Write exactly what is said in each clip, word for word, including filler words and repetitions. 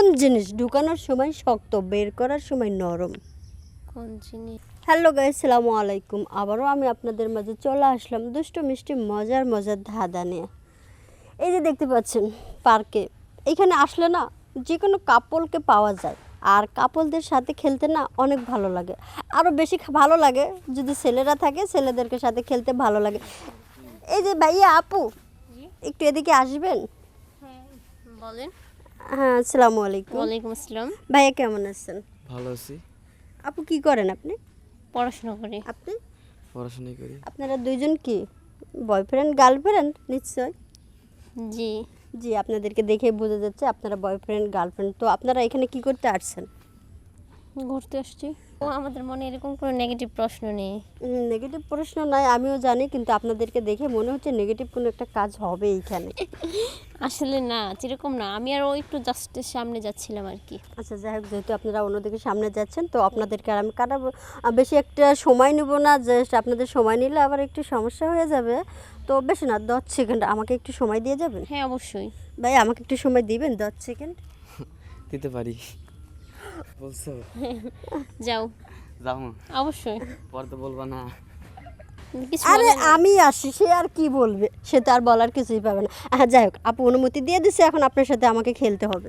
কোন জিনিস ঢুকানোর সময় শক্ত বের করার সময় নরম? কোন জিনিস? হ্যালো গাইস, আসসালামু আলাইকুম। আবারও আমি আপনাদের মাঝে চলে আসলাম দুষ্টু মিষ্টি মজার মজার ধাঁধা নিয়ে। এই যে দেখতে পাচ্ছেন পার্কে, এখানে আসলে না যে কোনো কাপলকে পাওয়া যায়, আর কাপলদের সাথে খেলতে না অনেক ভালো লাগে। আরও বেশি খা- ভালো লাগে যদি ছেলেরা থাকে, ছেলেদেরকে সাথে খেলতে ভালো লাগে। এই যে ভাইয়া আপু, একটু এদিকে আসবেন? হ্যাঁ বলেন। হ্যাঁ, আসসালামু আলাইকুম। ওয়ালাইকুম আসসালাম। ভাইয়া কেমন আছেন? ভালো আছি। আপু কি করেন আপনি? পড়াশোনা করি। আপনি পড়াশোনাই করি। আপনারা দুইজন কি বয়ফ্রেন্ড গার্লফ্রেন্ড? নিশ্চয়। জি, জি, আপনাদেরকে দেখে বোঝা যাচ্ছে আপনারা বয়ফ্রেন্ড গার্লফ্রেন্ড। তো আপনারা এখানে কি করতে আসছেন? ঘুরতে আসছি। ও আমাদের মনে এরকম কোনো নেগেটিভ প্রশ্ন নেই। নেগেটিভ প্রশ্ন নয়, আমিও জানি, কিন্তু আপনাদেরকে দেখে মনে হচ্ছে নেগেটিভ কোনো একটা কাজ হবে এইখানে। আসলে না, যেরকম না, আমি আর ও একটু জাস্ট সামনে যাচ্ছিলাম আর কি। আচ্ছা, যাই হোক, যেহেতু আপনারা অন্যদিকে সামনে যাচ্ছেন, তো আপনাদেরকে আর আমি কাটাবো আহ, বেশি একটা সময় নেব না। জাস্ট আপনাদের সময় নিলে আবার একটু সমস্যা হয়ে যাবে। তো বেশি না, দশ সেকেন্ড আমাকে একটু সময় দিয়ে যাবেন? হ্যাঁ অবশ্যই। ভাই আমাকে একটু সময় দিবেন, দশ সেকেন্ড? দিতে পারি। বলছো যাও। যাও, অবশ্যই। পরে তো বলবা না। কিছু আরে বলার নেই। আমি আসি, সে আর কি বলবে, সে তো আর বলার কিছুই পাবে না। হ্যাঁ, যাই হোক, আপু অনুমতি দিয়ে দিছে, এখন আপনার সাথে আমাকে খেলতে হবে।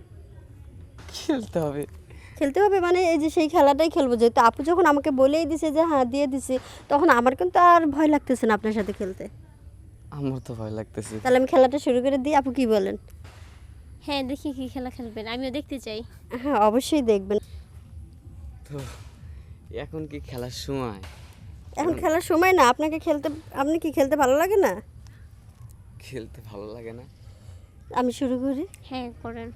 খেলতে হবে? খেলতে হবে মানে এই যে সেই খেলাটাই খেলবো, যেহেতু আপু যখন আমাকে বলেই দিছে যে হ্যাঁ দিয়ে দিছি, তখন আমার কিন্তু আর ভয় লাগতেছে না আপনার সাথে খেলতে। আমার তো ভয় লাগতেছে। তাহলে আমি খেলাটা শুরু করে দিই, আপু কি বলেন? হ্যাঁ দেখি কি খেলা খেলবেন, আমিও দেখতে চাই। হ্যাঁ, অবশ্যই দেখবেন। তো এখন কি খেলার সময়? এখন খেলার সময় না, আপনাকে খেলতে, আপনি কি খেলতে ভালো লাগে না? খেলতে ভালো লাগে না? আমি শুরু করি। হ্যাঁ করেন।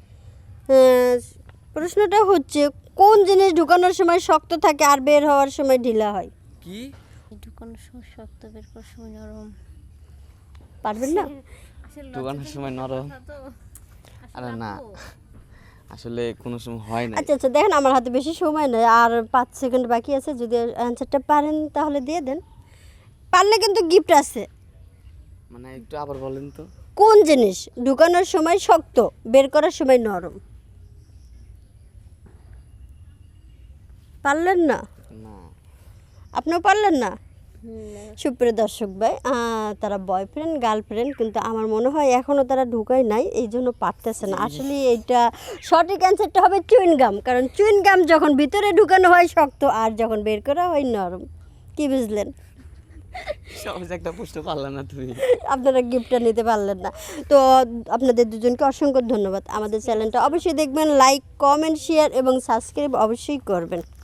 আহ, প্রশ্নটা হচ্ছে, কোন জিনিস ঢুকানোর সময় শক্ত থাকে আর বের হওয়ার সময় ঢিলা হয়? কি? ঢুকানোর সময় শক্ত, বের করার সময় নরম। পারবেন না? আসলে দোকানের সময় নরম? তো আরে না, আসলে কোনো সময় হয় না। আচ্ছা আচ্ছা, দেখেন আমার হাতে বেশি সময় নেই, আর পাঁচ সেকেন্ড বাকি আছে। যদি অ্যান্সারটা পারেন তাহলে দিয়ে দেন, পারলে কিন্তু গিফট আছে। মানে একটু আবার বলেন তো। কোন জিনিস ঢুকানোর সময় শক্ত, বের করার সময় নরম? পারলেন না? না। আপনিও পারলেন না? সুপ্রিয় দর্শক ভাই, আহ, তারা বয়ফ্রেন্ড গার্লফ্রেন্ড, কিন্তু আমার মনে হয় এখনও তারা ঢুকায় নাই, এই জন্য পারতেছে না। আসলে এইটা সঠিক অ্যান্সারটা হবে চুইনগাম, কারণ চুইনগাম যখন ভিতরে ঢুকানো হয় শক্ত, আর যখন বের করা হয় নরম। কি বুঝলেন? সহজ একটা প্রশ্ন পারলা না তুমি। আপনারা গিফটটা নিতে পারলেন না। তো আপনাদের দুজনকে অসংখ্য ধন্যবাদ। আমাদের চ্যানেলটা অবশ্যই দেখবেন, লাইক কমেন্ট শেয়ার এবং সাবস্ক্রাইব অবশ্যই করবেন।